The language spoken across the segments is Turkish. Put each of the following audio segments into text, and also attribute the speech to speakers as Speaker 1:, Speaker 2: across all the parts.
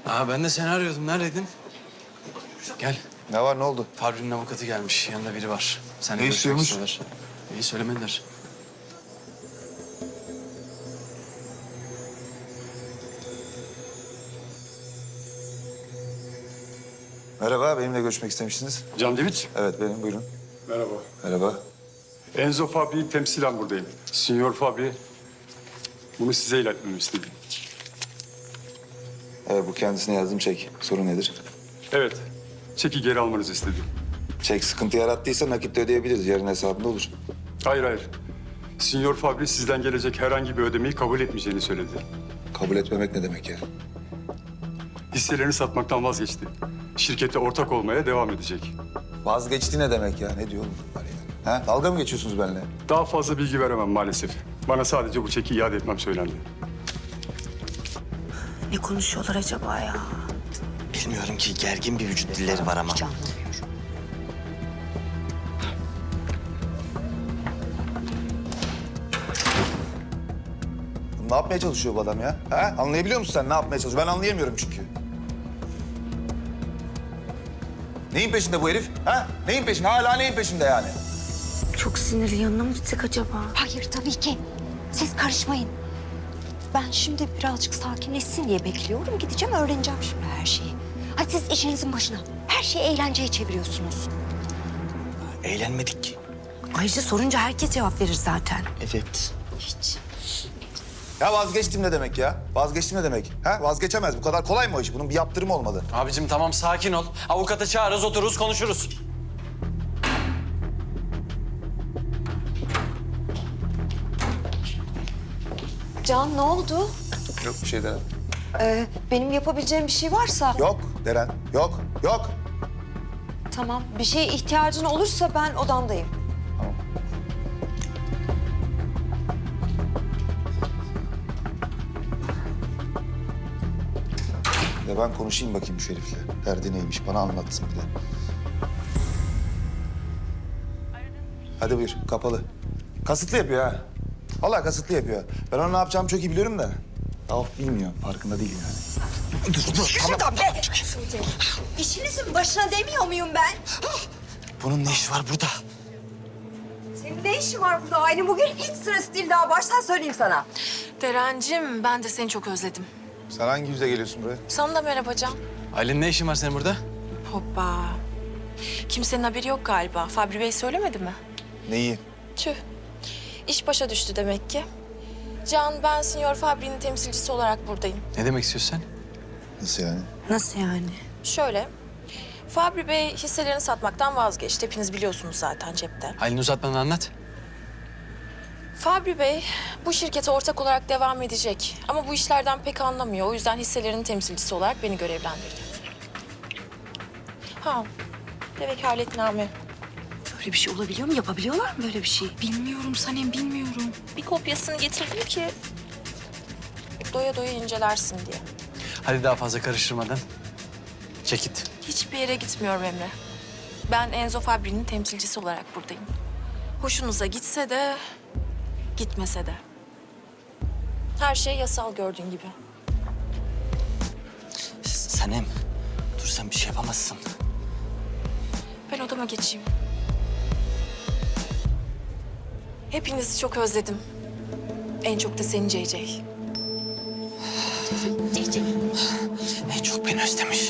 Speaker 1: Ben de seni arıyordum. Neredeydin? Gel.
Speaker 2: Ne var, ne oldu?
Speaker 1: Fabri'nin avukatı gelmiş. Yanında biri var. Seninle
Speaker 2: Ne
Speaker 1: görüşmek
Speaker 2: istiyormuş?
Speaker 1: istiyorlar. İyi söylemediler.
Speaker 2: Merhaba, benimle görüşmek istemiştiniz.
Speaker 3: Can David.
Speaker 2: Evet, benim, buyurun.
Speaker 3: Merhaba.
Speaker 2: Merhaba.
Speaker 3: Enzo Fabri'yi temsilen buradayım. Signor Fabri bunu size iletmemi istedi.
Speaker 2: Evet, bu kendisine yazdığım çek. Sorun nedir?
Speaker 3: Evet, çeki geri almanızı istedi.
Speaker 2: Çek sıkıntı yarattıysa nakitle ödeyebiliriz. Yarın hesabında olur.
Speaker 3: Hayır. Signor Fabri sizden gelecek herhangi bir ödemeyi kabul etmeyeceğini söyledi.
Speaker 2: Kabul etmemek ne demek ya?
Speaker 3: Hisselerini satmaktan vazgeçti. Şirkete ortak olmaya devam edecek.
Speaker 2: Vazgeçti ne demek ya? Ne diyor oğlum bunlar ya? Ha? Dalga mı geçiyorsunuz benimle?
Speaker 3: Daha fazla bilgi veremem maalesef. Bana sadece bu çeki iade etmem söylendi.
Speaker 4: Ne konuşuyorlar acaba ya?
Speaker 5: Bilmiyorum ki, gergin bir vücut dilleri var ama.
Speaker 4: Hiç anlamıyorum.
Speaker 2: Ne yapmaya çalışıyor bu adam ya? Ha? Anlayabiliyor musun sen ne yapmaya çalışıyor? Ben anlayamıyorum çünkü. Neyin peşinde bu herif? Ha? Neyin peşinde? Hala neyin peşinde yani?
Speaker 4: Çok sinirli, yanına mı gitsek acaba?
Speaker 6: Hayır tabii ki. Siz karışmayın. Ben şimdi birazcık sakinleşsin diye bekliyorum. Gideceğim, öğreneceğim şimdi her şeyi. Hadi siz işinizin başına. Her şeyi eğlenceye çeviriyorsunuz.
Speaker 5: Eğlenmedik ki.
Speaker 4: Ayrıca sorunca herkes cevap verir zaten.
Speaker 5: Evet.
Speaker 6: Hiç.
Speaker 2: Ya vazgeçtim ne demek ya? Vazgeçtim ne demek? Ha? Vazgeçemez. Bu kadar kolay mı o iş? Bunun bir yaptırımı olmalı.
Speaker 1: Abicim tamam sakin ol. Avukatı çağırırız, otururuz, konuşuruz.
Speaker 6: Can ne oldu?
Speaker 2: Yok bir şey Deren.
Speaker 6: Benim yapabileceğim bir şey varsa...
Speaker 2: Yok Deren. Yok. Yok.
Speaker 6: Tamam, bir şeye ihtiyacın olursa ben odamdayım.
Speaker 2: Ya ben konuşayım bakayım şu herifle. Derdi neymiş bana anlatsın bir de. Hadi buyur kapalı. Kasıtlı yapıyor ha. Vallahi kasıtlı yapıyor. Ben onun ne yapacağımı çok iyi biliyorum da. Rauf bilmiyor. Farkında değil yani.
Speaker 6: Şuradan be! İşinizin başına demiyor muyum ben?
Speaker 5: Bunun ne işi var burada?
Speaker 6: Senin ne işin var burada? Aynı bugün hiç sırası değil, daha baştan söyleyeyim sana.
Speaker 4: Derencim, ben de seni çok özledim.
Speaker 2: Sen hangi yüzle geliyorsun buraya?
Speaker 4: Sana da merhaba Can.
Speaker 1: Aylin ne işin var senin burada?
Speaker 4: Hoppa. Kimsenin haberi yok galiba. Fabri Bey söylemedi mi?
Speaker 2: Neyi?
Speaker 4: Tüh. İş başa düştü demek ki. Can, ben Signor Fabri'nin temsilcisi olarak buradayım.
Speaker 1: Ne demek istiyorsun sen?
Speaker 2: Nasıl yani?
Speaker 4: Nasıl yani? Şöyle. Fabri Bey hisselerini satmaktan vazgeçti. Hepiniz biliyorsunuz zaten cepte.
Speaker 1: Aylin uzatmadan anlat.
Speaker 4: Fabri Bey bu şirkete ortak olarak devam edecek. Ama bu işlerden pek anlamıyor. O yüzden hisselerinin temsilcisi olarak beni görevlendirdi. Ve vekaletname.
Speaker 6: Böyle bir şey olabiliyor mu? Yapabiliyorlar mı böyle bir şey?
Speaker 4: Bilmiyorum Sanem, bilmiyorum. Bir kopyasını getirdim ki doya doya incelersin diye.
Speaker 1: Hadi daha fazla karıştırmadan. Çek git.
Speaker 4: Hiçbir yere gitmiyorum Emre. Ben Enzo Fabri'nin temsilcisi olarak buradayım. Hoşunuza gitse de, gitmese de. Her şey yasal gördüğün gibi.
Speaker 5: Sanem, dur sen bir şey yapamazsın.
Speaker 4: Ben odama geçeyim. Hepinizi çok özledim. En çok da seni CC.
Speaker 5: En çok beni özlemiş.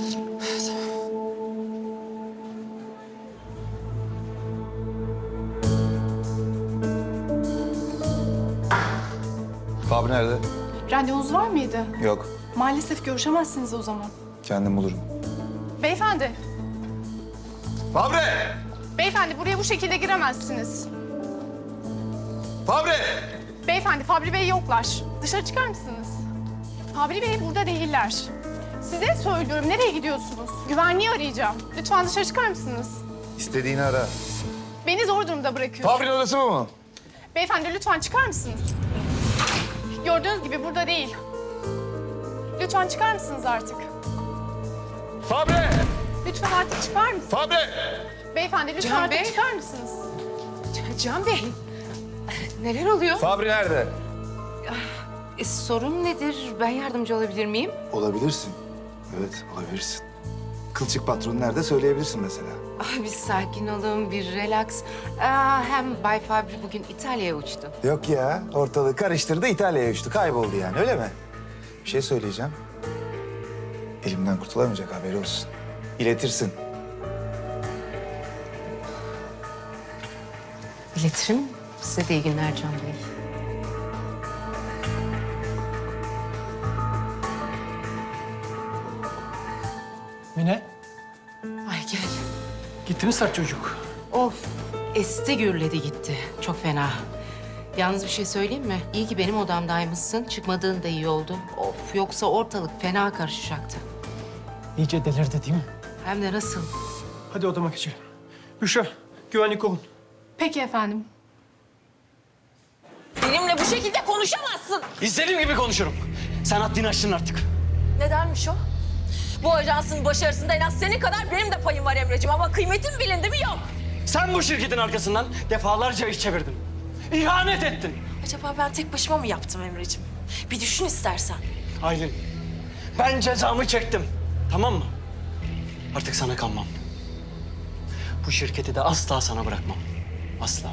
Speaker 2: Fabri nerede?
Speaker 7: Randevunuz var mıydı?
Speaker 2: Yok.
Speaker 7: Maalesef görüşemezsiniz o zaman.
Speaker 2: Kendim bulurum.
Speaker 7: Beyefendi,
Speaker 2: Fabri!
Speaker 7: beyefendi buraya bu şekilde giremezsiniz.
Speaker 2: Fabri!
Speaker 7: Beyefendi, Fabri Bey yoklar. Dışarı çıkar mısınız? Fabri Bey burada değiller. Size söylüyorum, nereye gidiyorsunuz? Güvenliği arayacağım. Lütfen dışarı çıkar mısınız?
Speaker 2: İstediğini ara.
Speaker 7: Beni zor durumda bırakıyorsunuz.
Speaker 2: Fabri'nin odası bu mu?
Speaker 7: Beyefendi lütfen çıkar mısınız? Gördüğünüz gibi burada değil. Lütfen çıkar mısınız artık?
Speaker 2: Fabri!
Speaker 7: Lütfen artık çıkar mısınız?
Speaker 2: Fabri!
Speaker 7: Beyefendi lütfen
Speaker 8: Can
Speaker 7: artık
Speaker 8: Bey.
Speaker 7: çıkar mısınız?
Speaker 8: Can Bey, neler oluyor?
Speaker 2: Fabri nerede?
Speaker 8: Sorun nedir? Ben yardımcı olabilir miyim?
Speaker 2: Olabilirsin. Evet, olabilirsin. Kılçık patron nerede söyleyebilirsin mesela.
Speaker 8: Ay bir sakin olun, bir relax. Hem Bay Fabri bugün İtalya'ya uçtu.
Speaker 2: Yok ya, ortalığı karıştırdı, İtalya'ya uçtu. Kayboldu yani, öyle mi? Bir şey söyleyeceğim. Elimden kurtulamayacak, haberi olsun. İletirsin.
Speaker 8: İletirim. Size de iyi günler Can Bey.
Speaker 9: Mine,
Speaker 8: Ay gel.
Speaker 9: gitti mi sert çocuk?
Speaker 8: Of, esti gürledi gitti. Çok fena. Yalnız bir şey söyleyeyim mi? İyi ki benim odamdaymışsın. Çıkmadığın da iyi oldu. Of, yoksa ortalık fena karışacaktı.
Speaker 9: İyice delirdi değil mi?
Speaker 8: Hem de nasıl?
Speaker 9: Hadi odama geçelim. Büşra, güvenlik olun.
Speaker 7: Peki efendim.
Speaker 4: Benimle bu şekilde konuşamazsın.
Speaker 5: İstediğim gibi konuşurum. Sen haddini aştın artık.
Speaker 4: Nedenmiş o? Bu ajansın başarısında en az senin kadar benim de payım var Emre'ciğim ama kıymetim bilindi mi yok.
Speaker 5: Sen bu şirketin arkasından defalarca iş çevirdin. İhanet ettin.
Speaker 4: Acaba ben tek başıma mı yaptım Emre'ciğim? Bir düşün istersen.
Speaker 5: Aylin, ben cezamı çektim. Tamam mı? Artık sana kalmam. Bu şirketi de asla sana bırakmam. Asla.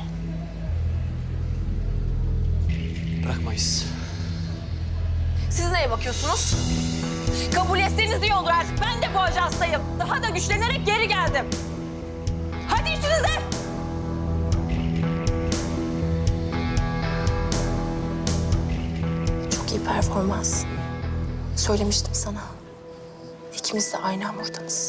Speaker 5: Bırakmayız.
Speaker 4: Siz neye bakıyorsunuz? Kabul etseniz iyi olur artık. Ben de bu ajanstayım. Daha da güçlenerek geri geldim. Hadi işinize. Çok iyi performans. Söylemiştim sana. İkimiz de aynı hamurdanız.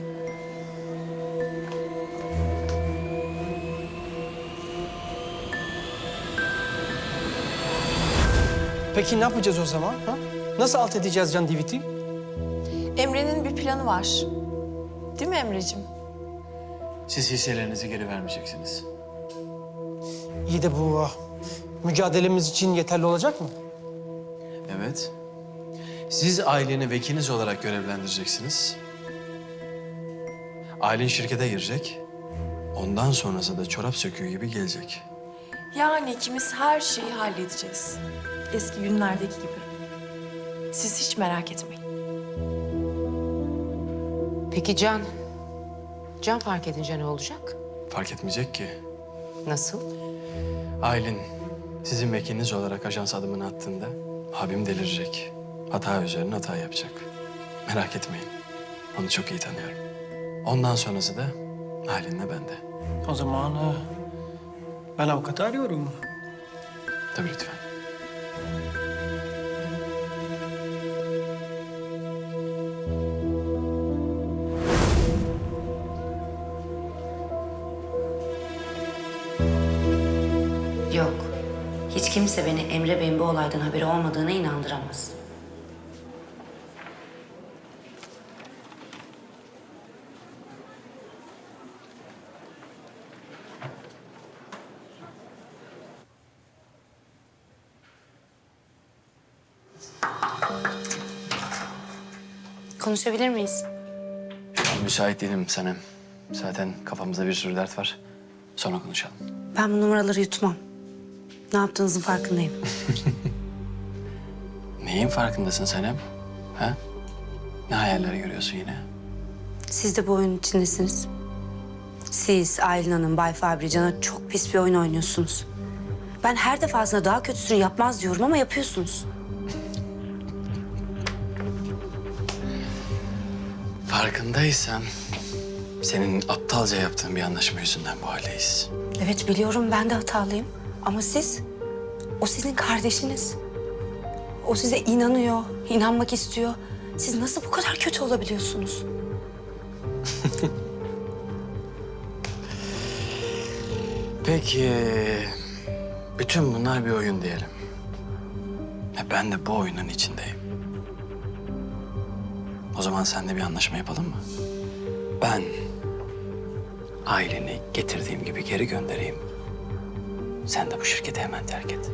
Speaker 9: Peki ne yapacağız o zaman? Ha? Nasıl alt edeceğiz Can Divit'i?
Speaker 4: Emre'nin bir planı var. Değil mi Emre'ciğim?
Speaker 1: Siz hisselerinizi geri vermeyeceksiniz.
Speaker 9: İyi de bu mücadelemiz için yeterli olacak mı?
Speaker 1: Evet. Siz aileni vekiliniz olarak görevlendireceksiniz. Ailen şirkete girecek. Ondan sonrası da çorap söküğü gibi gelecek.
Speaker 4: Yani ikimiz her şeyi halledeceğiz. Eski günlerdeki gibi. Siz hiç merak etmeyin.
Speaker 8: Peki Can? Can fark edince ne olacak?
Speaker 1: Fark etmeyecek ki.
Speaker 8: Nasıl?
Speaker 1: Aylin sizin vekiliniz olarak ajans adımını attığında abim delirecek. Hata üzerine hata yapacak. Merak etmeyin. Onu çok iyi tanıyorum. Ondan sonrası da Aylin'le bende.
Speaker 9: O zaman ben avukatı arıyorum.
Speaker 1: Tabii lütfen.
Speaker 10: Yok. Hiç kimse beni Emre Bey'in bu olaydan haberi olmadığına inandıramaz. Konuşabilir miyiz?
Speaker 1: Şu an müsait değilim Sanem. Zaten kafamızda bir sürü dert var. Sonra konuşalım.
Speaker 10: Ben bu numaraları yutmam. Ne yaptığınızın farkındayım.
Speaker 1: Neyin farkındasın Sanem? Ha? Ne hayaller görüyorsun yine?
Speaker 10: Siz de bu oyunun içindesiniz. Siz, Aylin Hanım, Bay Fabri, Can'a çok pis bir oyun oynuyorsunuz. Ben her defasında daha kötüsünü yapmaz diyorum ama yapıyorsunuz.
Speaker 1: Farkındaysan senin aptalca yaptığın bir anlaşma yüzünden bu haldeyiz.
Speaker 10: Evet biliyorum ben de hatalıyım. Ama siz, o sizin kardeşiniz. O size inanıyor, inanmak istiyor. Siz nasıl bu kadar kötü olabiliyorsunuz?
Speaker 1: Peki, bütün bunlar bir oyun diyelim. Ben de bu oyunun içindeyim. O zaman seninle bir anlaşma yapalım mı? Ben aileni getirdiğim gibi geri göndereyim. Sen de bu şirketi hemen terk et.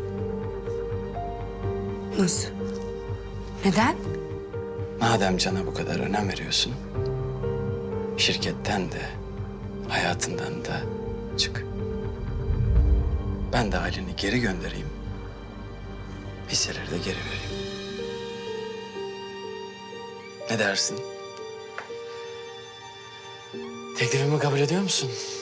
Speaker 10: Nasıl? Neden?
Speaker 1: Madem Can'a bu kadar önem veriyorsun, şirketten de, hayatından da çık. Ben de aileni geri göndereyim, hisseleri de geri vereyim. Ne dersin? Teklifimi kabul ediyor musun?